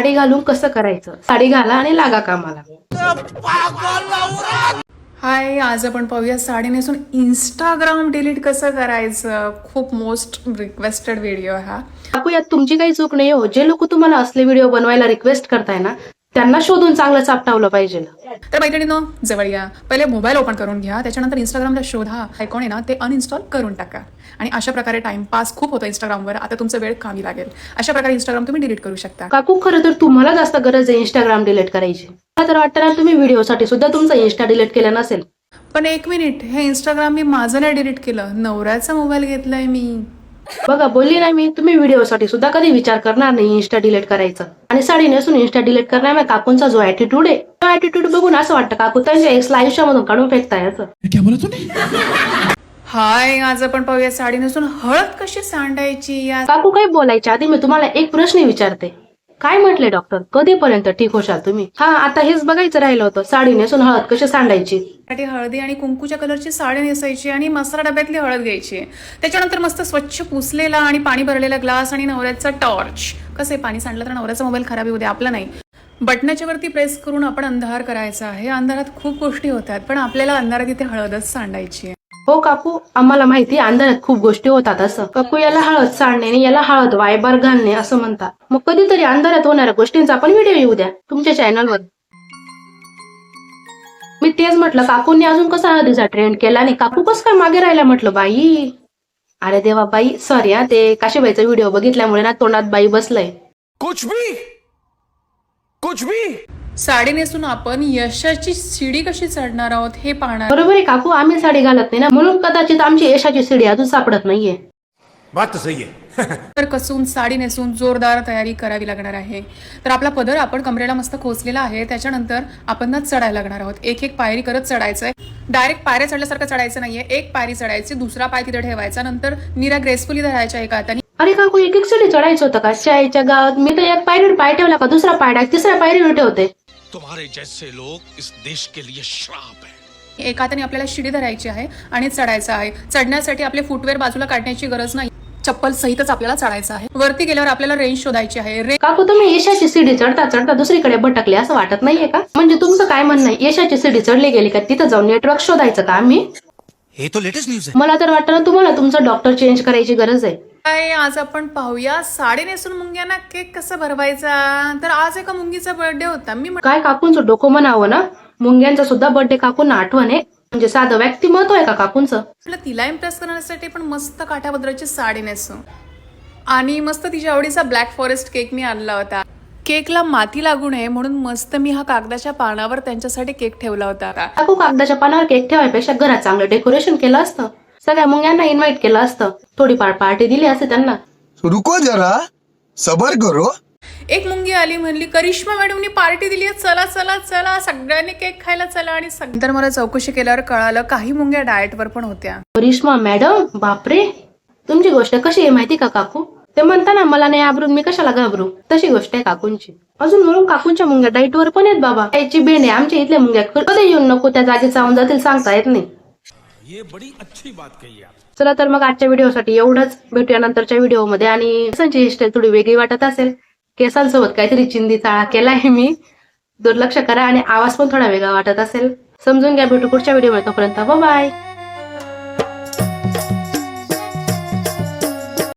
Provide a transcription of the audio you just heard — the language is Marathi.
साडी घालून कसं करायचं, साडी घाला आणि लागा कामाला. हाय, आज आपण पाहूया साडी नेसून इंस्टाग्राम डिलीट कसं करायचं. खूप मोस्ट रिक्वेस्टेड व्हिडिओ हा. काकू यात तुमची काही चूक नाही हो. जे लोक तुम्हाला असले व्हिडिओ बनवायला रिक्वेस्ट करताय ना, त्यांना शोधून चांगलं चापटावलं पाहिजे. तर मैत्रिणींनो, जवळ या. पहिले मोबाईल ओपन करून घ्या, त्याच्यानंतर इंस्टाग्रामला शोधा, आयकॉन आहे ना ते अनइन्स्टॉल करून टाका. आणि अशा प्रकारे टाइमपास खूप होतो इंस्टाग्रामवर. आता तुमचा वेळ कामी लागेल. अशा प्रकारे इंस्टाग्राम तुम्ही डिलीट करू शकता. काकू खरं तर तुम्हाला जास्त गरज आहे इंस्टाग्राम डिलीट करायची. मला तर वाटतं ना तुम्ही व्हिडिओसाठी सुद्धा तुमचा इंस्टा डिलीट केला नसेल. पण एक मिनिट, हे इंस्टाग्राम मी माझं नाही डिलीट केलं, नवऱ्याचा मोबाईल घेतलाय मी. बघा बोलली नाही मी, तुम्ही व्हिडिओसाठी सुद्धा कधी विचार करणार नाही इंस्टा डिलीट करायचं. आणि साडी नेसून इंस्टा डिलीट करणार नाही. काकूंचा जो ऍटिट्यूड आहे, तो ऍटिट्यूड बघून असं वाटतं काकू त्यांच्या एक्सला आयुष्यामधून काढून फेकताय असं. हाय, आज आपण पाहूया साडी नेसून हळद कशी सांडायची. काकू काही बोलायच्या आधी मी तुम्हाला एक प्रश्न विचारते. काय म्हटले डॉक्टर, कधीपर्यंत ठीक होशाल तुम्ही? हा, आता हेच बघायचं राहिलं होतं, साडी नेसून हळद कशी सांडायची. साठी हळदी आणि कुंकूच्या कलरची साडी नेसायची आणि मसाला डब्यातली हळद घ्यायची. त्याच्यानंतर मस्त स्वच्छ पुसलेला आणि पाणी भरलेला ग्लास आणि नवऱ्याचा टॉर्च. कसे पाणी सांडलं तर नवऱ्याचा मोबाईल खराब होऊ दे, आपला नाही. बटनाच्या वरती प्रेस करून आपण अंधार करायचा आहे. अंधारात खूप गोष्टी होतात, पण आपल्याला अंधारात इथे हळदच सांडायची आहे. हो काकू, आम्हाला माहिती अंधारात खूप गोष्टी होतात असं. काकू याला हळद सांडणे आणि याला हळद वायबार घालणे असं म्हणतात. मग कधीतरी अंधारात होणाऱ्या गोष्टींचा पण व्हिडिओ येऊ द्या तुमच्या चॅनलवर. मी तेच म्हटलं, काकूंनी अजून कसा हळदीचा ट्रेंड केला आणि काकू कसं काय मागे राहिला म्हटलं बाई. अरे देवा बाई, सॉरी हा, ते काशीबाईचा व्हिडिओ बघितल्यामुळे ना तोंडात बाई बसलंय. कुछ भी साडी नेसून आपण यशाची शिडी कशी चढणार आहोत हे पाहणार. बरोबर आहे काकू, आम्ही साडी घालत नाही ना, म्हणून कदाचित आमची यशाची सीडी अजून सापडत नाहीये. बात तो सही है. तर कसून साडी नेसून जोरदार तयारी करावी लागणार आहे. तर आपला पदर आपण कमरेला मस्त खोचलेला आहे. त्याच्यानंतर आपण ना चढायला लागणार आहोत. एक एक पायरी करत चढायचंय. डायरेक्ट पायऱ्या चढल्यासारखं चढायचं नाहीये. एक पायरी चढायची, दुसरा पाय तिथे ठेवायचा, नंतर निरा ग्रेसफुली धरायच्या एका हाताने. अरे काकू, एक एक सीडी चढायचं होतं का चायच्या गावात? मी तर एक पायरीवर पाय ठेवला का दुसरा पाय डायरेक्ट तिसऱ्या पायरीवर ठेवते. तुम्हारे जैसे लोग इस देश के लिए श्राप है. एका हाताने आपल्याला शिडी धरायची आहे आणि चढायचं आहे. चढण्यासाठी आपले फुटवेअर बाजूला काढण्याची गरज नाही, चप्पल सहितच आपल्याला चढायचं आहे. वरती गेल्यावर आपल्याला रेंज शोधायची आहे. काकू, तुम्ही यशाची सीडी चढता चढता दुसरीकडे भटकले असं वाटत नाहीये का? म्हणजे तुमचं काय म्हणणं आहे, यशाची सीडी चढली गेली का तिथं जाऊन नेटवर्क शोधायचं का आम्ही? हे तो लेटेस्ट न्यूज है. मला तर वाटतं ना तुम्हाला तुमचं डॉक्टर चेंज करायची गरज आहे. आज आपण पाहूया साडी नेसून मुंग्यांना केक कसा भरवायचा. तर आज एका मुंगीचा बर्थडे होता. मी काय काकूंचं डोकं म्हणावं ना, मुंग्यांचा सुद्धा बर्थडे काकूंना आठवण आहे. म्हणजे साधं व्यक्तिमत्व आहे का काकूंचं? म्हटलं तिला इम्प्रेस करण्यासाठी पण मस्त काठापदराची साडी नेसू आणि मस्त तिच्या आवडीचा ब्लॅक फॉरेस्ट केक मी आणला होता. केकला माती लागू नये म्हणून मस्त मी हा कागदाच्या पानावर त्यांच्यासाठी केक ठेवला होता. काकू, कागदाच्या पानावर केक ठेवायपेक्षा घरात चांगलं डेकोरेशन केलं असतं. सगळ्या मुंग्यांना इन्व्हाइट केलं असतं. थोडीफार पार्टी दिली असते त्यांना. रुको जरा, सबर करो. एक मुंगी आली, म्हणली करिश्मा मॅडमनी पार्टी दिली आहे, चला चला चला सगळ्यांनी केक खायला चला. आणि नंतर मला चौकशी केल्यावर कळालं काही मुंग्या डाएटवर पण होत्या. करिश्मा मॅडम, बापरे, तुमची गोष्ट कशी आहे माहिती का काकू? ते म्हणताना मला नाही घाबरून मी कशाला घाबरू, तशी गोष्ट आहे काकूंची. अजून म्हणून काकूंच्या मुंग्या डाएटवर पण आहेत बाबा. याची बेंड आहे. आमच्या इथल्या मुंग्या कधी येऊन नको त्या जागी चावून जातील सांगता येत नाही. ये बड़ी अच्छी बात कही आप. चला तर मग आजच्या व्हिडिओसाठी एवढंच. भेटूया नंतरच्या व्हिडिओमध्ये. आणि केसांची हेअरस्टाईल थोडी वेगळी वाटत असेल, केसांसोबत काहीतरी चिंदी चाळा केलाय मी, दुर्लक्ष करा. आणि आवाज पण थोडा वेगळा वाटत असेल, समजून घ्या. भेटू पुढच्या व्हिडिओमध्ये. तोपर्यंत बाय.